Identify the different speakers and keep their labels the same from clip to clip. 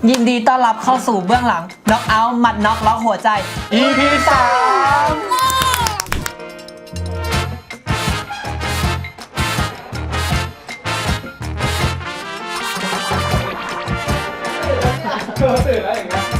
Speaker 1: ยินดีต้อนรับเข้าสู่เบื้องหลังน็อกเอาท์หมัดน็อกล็อกหัวใจ EP
Speaker 2: ตื่นแล้วอย่างเงี้ย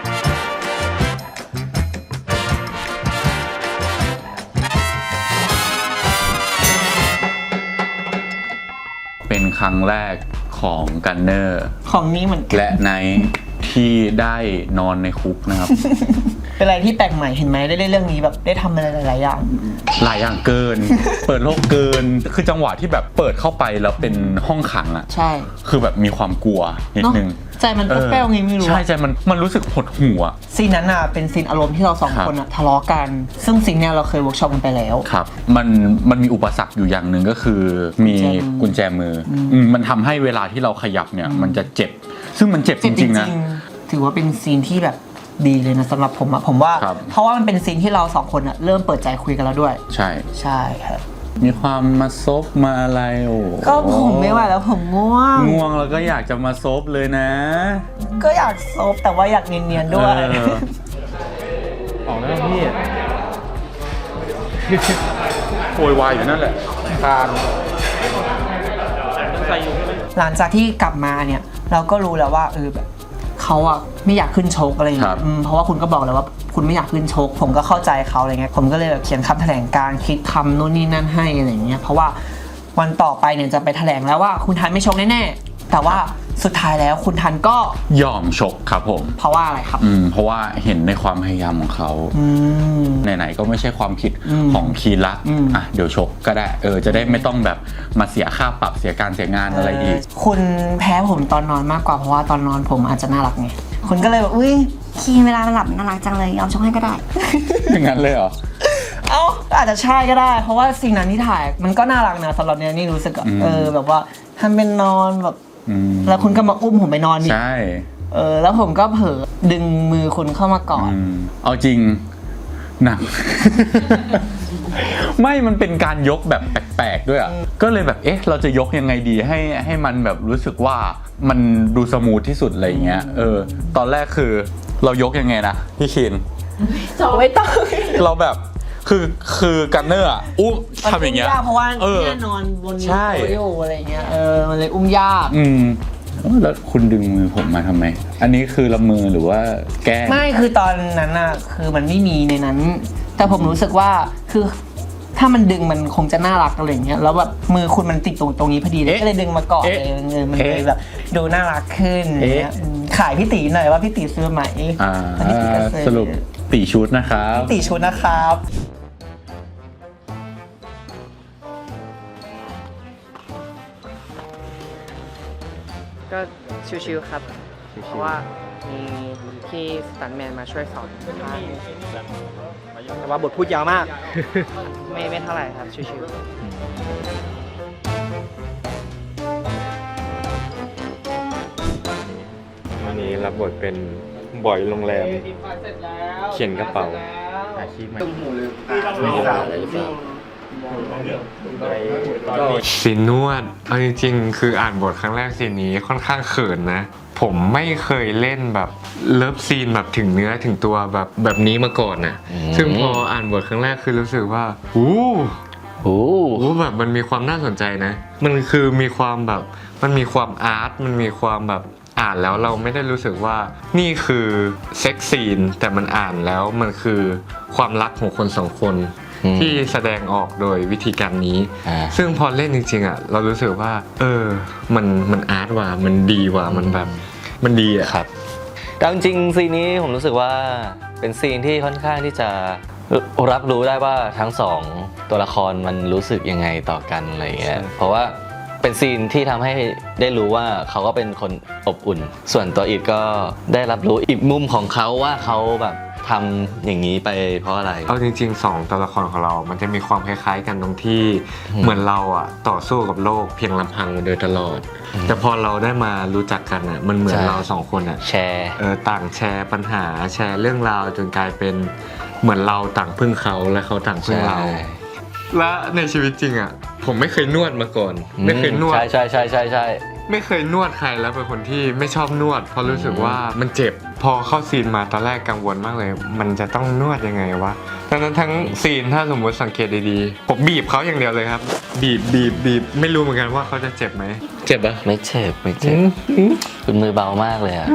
Speaker 3: เป็นครั้งแรกของกันเนอร์
Speaker 1: ของนี้เหมือนกัน
Speaker 3: และไนท์ที่ได้นอนในคุกนะครับ
Speaker 1: เป็นอะไรที่แปลกใหม่เห็นไหมได้เล่นเรื่องนี้แบบได้ทำอะไรหลายๆอย่าง
Speaker 3: หลายอย่างเกิน เปิดโลกเกิน คือจังหวะที่แบบเปิดเข้าไปแล้วเป็นห้องขังอ่ะ
Speaker 1: ใช่
Speaker 3: คือแบบมีความกลัวนิดนึง
Speaker 1: ใจมันแป้วๆไงไม่รู้
Speaker 3: ใช่ใจมันรู้สึกหดหู่อ่ะ
Speaker 1: ซีนนั้นอ่ะเป็นซีนอารมณ์ที่เราสองคนอ่ะทะเลาะกัน ซึ่งซีนเนี้ยเราเคยเวิร์กช็อปกันไปแล้ว
Speaker 3: ครับมันมีอุปสรรคอยู่อย่างหนึ่งก็คือมีกุญแจมือมันทำให้เวลาที่เราขยับเนี่ยมันจะเจ็บ ซึ่งมันเจ็บจริงๆนะ
Speaker 1: ถือว่าเป็นซีนที่แบบดีเลยนะสำหรับผมอะผมว่า
Speaker 3: ครับ
Speaker 1: เพราะว่ามันเป็นซีนที่เราสองคนอะเริ่มเปิดใจคุยกันแล้วด้วย
Speaker 3: ใช่
Speaker 1: ใช่ครับ
Speaker 3: มีความมาซบมาอะไรโอ้
Speaker 1: ก็ผมไม่ไหวแล้วผมง่วง
Speaker 3: ง่วงแล้วก็อยากจะมาซบเลยนะ
Speaker 1: ก็อยากซบแต่ว่าอยากเนียนๆด้วย
Speaker 2: ออกแล้วพี่
Speaker 3: โวยวายอยู่นั่นแหละ
Speaker 2: ทานใส่อยู่
Speaker 1: หลังจากที่กลับมาเนี่ยเราก็รู้แล้วว่าแบบเขาอะไม่อยากขึ้นชกอะไรอย่างเงี้ยเพราะว่าคุณก็บอกแล้วว่าคุณไม่อยากขึ้นชกผมก็เข้าใจเขาอะไรเงี้ยผมก็เลยแบบเขียนคำแถลงการคิดคำนู่นนี่นั่นให้อะไรอย่างเงี้ยเพราะว่าวันต่อไปเนี่ยจะไปแถลงแล้วว่าคุณทันไม่ชกแน่ๆแต่ว่าสุดท้ายแล้วคุณทันก็
Speaker 3: ยอมชกครับผม
Speaker 1: เพราะว่าอะไรครับ
Speaker 3: เพราะว่าเห็นในความพยายามของเขาไหนๆก็ไม่ใช่ความผิดของคีรักอ่ะเดี๋ยวชกก็ได้จะได้ไม่ต้องแบบมาเสียค่าปรับเสียการเสียงานอะไรอีก
Speaker 1: คุณแพ้ผมตอนนอนมากกว่าเพราะว่าตอนนอนผมอาจจะน่ารักไงคุณก็เลยแบบอุ้ย
Speaker 4: คีนเวลามันหลับน่ารักจังเลยยอมชกให้ก็ได้
Speaker 3: อย่างนั้นเลยเหรอ
Speaker 1: เอ้าอาจจะใช่ก็ได้ เพราะว่าสิ่งนั้นที่ถ่ายมันก็น่ารักนะสำหรับเนี่ยนี่รู้สึกอะแบบว่าทำเป็นนอนแบบแล้วคุณก็มาอุ้มผมไปนอนดิ
Speaker 3: ใช่
Speaker 1: แล้วผมก็เผลอดึงมือคุณเข้ามากอด
Speaker 3: เอาจริงหนัก ไม่มันเป็นการยกแบบแปลกๆด้วยอ่ะก็เลยแบบเราจะยกยังไงดีให้มันแบบรู้สึกว่ามันดูสมูทที่สุดอะไรอย่างเงี้ยตอนแรกคือเรายกยังไงนะพี่คิน
Speaker 1: ไม่ต้อง
Speaker 3: เราแบบคือกันเนอร์อ่ะอุ้มทำอย่างเงี้ย
Speaker 1: เพราะว่าเนี่ยนอนบน
Speaker 3: ใช่
Speaker 1: โต๊ะอะไรเงี้ยมันเลยอุ้มยาก
Speaker 3: แล้วคุณดึงมือผมมาทำไมอันนี้คือละมือหรือว่าแกล้ง
Speaker 1: ไม่คือตอนนั้นอะคือมันไม่มีในนั้น แต่ผมรู้สึกว่าคือถ้ามันดึงมันคงจะน่ารักอะไรอย่างเงี้ยแล้วแบบมือคุณมันติดตรงนี้พอดีเลยก็เลยดึงมาก่อนเลยมันเลยแบบดูน่ารักขึ้นขายพี่ตีหน่อยว่าพี่ตีซื้อไหมพี่ตีก็ซื้อ
Speaker 3: สรุปตีชุดนะครับ
Speaker 1: ตีชุดนะครับก็ชิวๆครับเพราะว่ามีพี่สตันแมนมาช่วยสอนแต่ว่าบทพูดยาวมาก ไม่เท่าไหร่ครับชิวๆ
Speaker 5: วันนี้รับบทเป็นบอยโรงแรม เขียนกระเป๋าอาชีพใหม่ซีนนวดเอาจริงๆคืออ่านบทครั้งแรกซีนนี้ค่อนข้างเขินนะ ผมไม่เคยเล่นแบบเลิฟซีนแบบถึงเนื้อถึงตัวแบบนี้มาก่อนนะซึ่งพออ่านบทครั้งแรกคือรู้สึกว่าโอ้แบบมันมีความน่าสนใจนะมันคือมีความแบบมันมีความอาร์ตมันมีความแบบอ่านแล้วเราไม่ได้รู้สึกว่านี่คือเซ็กซีนแต่มันอ่านแล้วมันคือความรักของคนสองคนที่แสดงออกโดยวิธีการนี้ซึ่งพอเล่นจริงๆอ่ะเรารู้สึกว่ามันอาร์ตว่ะมันดีว่ะมันแบบมันดีอ่ะครับ
Speaker 6: แต่จริงๆซีนนี้ผมรู้สึกว่าเป็นซีนที่ค่อนข้างที่จะรับรู้ได้ว่าทั้งสองตัวละครมันรู้สึกยังไงต่อกันอะไรเงี้ยเพราะว่าเป็นซีนที่ทำให้ได้รู้ว่าเขาก็เป็นคนอบอุ่น ส่วนตัวอีกก็ได้รับรู้อีกมุมของเขาว่าเขาแบบทำอย่างนี้ไปเพราะอะไร
Speaker 5: เอาจริงๆ2ตัวละครของเรามันจะมีความคล้ายๆกันตรงที่เหมือนเราอ่ะต่อสู้กับโลกเพียงลำพังโดยตลอดแต่พอเราได้มารู้จักกันอ่ะมันเหมือนเราสองคนอ่ะ
Speaker 6: แชร์
Speaker 5: ต่างแชร์ปัญหาแชร์เรื่องราวจนกลายเป็นเหมือนเราต่างพึ่งเขาและเขาต่างพึ่งเราและในชีวิตจริงอ่ะผมไม่เคยนวดมาก่อนไม่เคยนวด
Speaker 6: ใช่
Speaker 5: ไม่เคยนวดใครแล้วเป็นคนที่ไม่ชอบนวดเพราะรู้สึกว่ามันเจ็บพอเข้าซีนมาตอนแรกกังวลมากเลย มันจะต้องนวดยังไงวะทั้งซีนถ้าสมมติสังเกตดีๆผมบีบเขาอย่างเดียวเลยครับ บีบไม่รู้เหมือนกันว่าเขาจะเจ็บไหมเจ็บปะ
Speaker 6: ไม่เจ็บคุณมือเบามากเลยอะ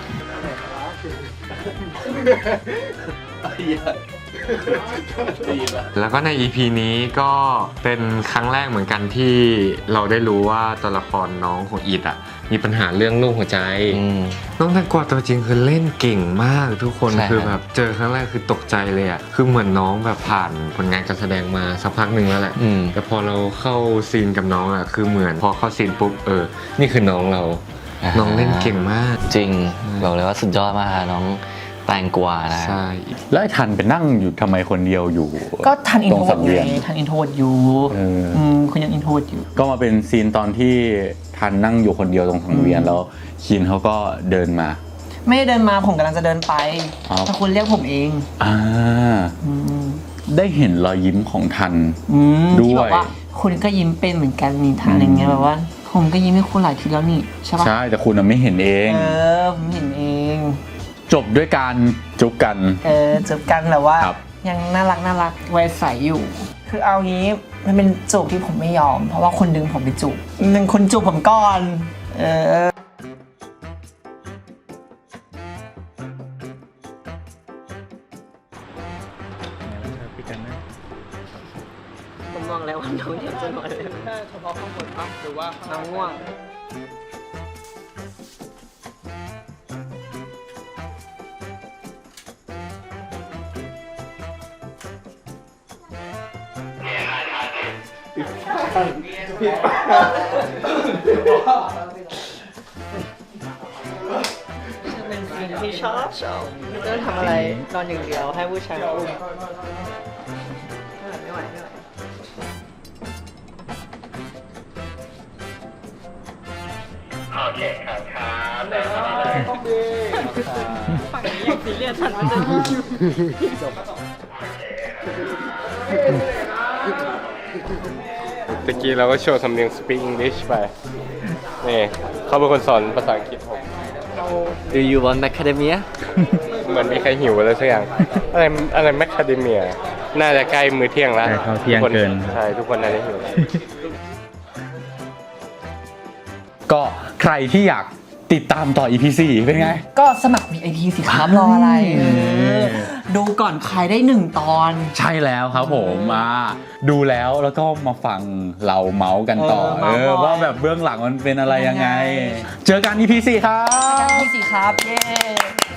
Speaker 5: แล้วก็ใน EP นี้ก็เป็นครั้งแรกเหมือนกันที่เราได้รู้ว่าตัวละครน้องของอีดอ่ะมีปัญหาเรื่องลูกหัวใจ น้องแตงกวาตัวจริงคือเล่นเก่งมากทุกคน
Speaker 6: ใช่
Speaker 5: คือแบบเจอครั้งแรกคือตกใจเลยอ่ะคือเหมือนน้องแบบผ่านผลงานการแสดงมาสักพักหนึ่งแล้วแหละ แต่พอเราเข้าซีนกับน้องอ่ะคือเหมือนพอเข้าซีนปุ๊บนี่คือน้องเรา น้องเล่นเก่งมาก
Speaker 6: จริงบอกเลยว่าสุดยอดมากค่ะน้องแตงกวานะ
Speaker 5: ใช่
Speaker 3: แล้วไอ้ทันไปนั่งอยู่ทำไมคนเดียวอยู่
Speaker 1: ก็ทันอิน
Speaker 3: ตร
Speaker 1: โท
Speaker 3: ง
Speaker 1: ร
Speaker 3: สังเวียน
Speaker 1: ทันอินโทรอยู่ คุณยังอินโทรอยู่
Speaker 3: ก็มาเป็นซีนตอนที่ทันนั่งอยู่คนเดียวตรงสังเวียนแล้วคินเขาก็เดินมา
Speaker 1: ไม่ได้เดินมาผมกำลังจะเดินไป
Speaker 3: อ๋อ
Speaker 1: แต่คุณเรียกผมเอง
Speaker 3: ได้เห็นรอยยิ้มของทัน ด้วย
Speaker 1: ที่บอกว่าคุณก็ยิ้มเป็นเหมือนกันนี่ทางอย่างเงี้ยแบบว่า ผมก็ยิ้มให้คุณหลายทีแล้วนี่ใช่ปะ
Speaker 3: ใช่แต่คุณน่ะไม่เห็นเอง
Speaker 1: ผมเห็นเอง
Speaker 3: จบด้วยการจุบกัน
Speaker 1: จูบกันแบบว่า
Speaker 3: ครับ
Speaker 1: ยังน่ารักวัยใสอยู่ คือเอางี้มันเป็นจูบที่ผมไม่ยอม เพราะว่าคุณดึงผมไปจูบหนึ่งคุณจูบผมก่อนผมมองแล้วว่าน้องอยากจะนอนเลยแค่เฉพาะข้างบนปะหรือว่าน้องง่วงเป็นสิ่งที่ชอบไม่ต้องทำอะไรนอนอย่างเดียวให้ผู้ชายมาอุ้มไม่ไหวโอเคครับฝั่งนี้อย่างซีเรียสฉันไม่จะ
Speaker 2: ตะกี้เราก็โชว์สำเนียง speak English ไป นี่เขาเป็นคนสอนภาษาอังกฤษผม
Speaker 6: Do you want macadamia
Speaker 2: เหมือนมีใครหิวอะไรสักอย่าง อะไรแมคคาเดเมีย น่าจะใกล้มื้อเที่ยงแล้ว
Speaker 7: ใกล้เข้าเที่ยงเกิน
Speaker 2: ใช่ ทุกคนน่าจะหิว
Speaker 3: ก็ใครที่อยากติดตามต่อ EP 4เป็นไง
Speaker 1: ก็สมัคร VIP สิครับรออะไรดูก่อนใครได้1 ตอน
Speaker 3: ใช่แล้วครับผมดูแล้วก็มาฟังเราเมาส์กันต่อ
Speaker 1: เมาส์
Speaker 3: ว่าแบบเบื้องหลังมันเป็นอะไรยังไง เจอกัน EP 4ครับ
Speaker 1: VIP สิครับ เย้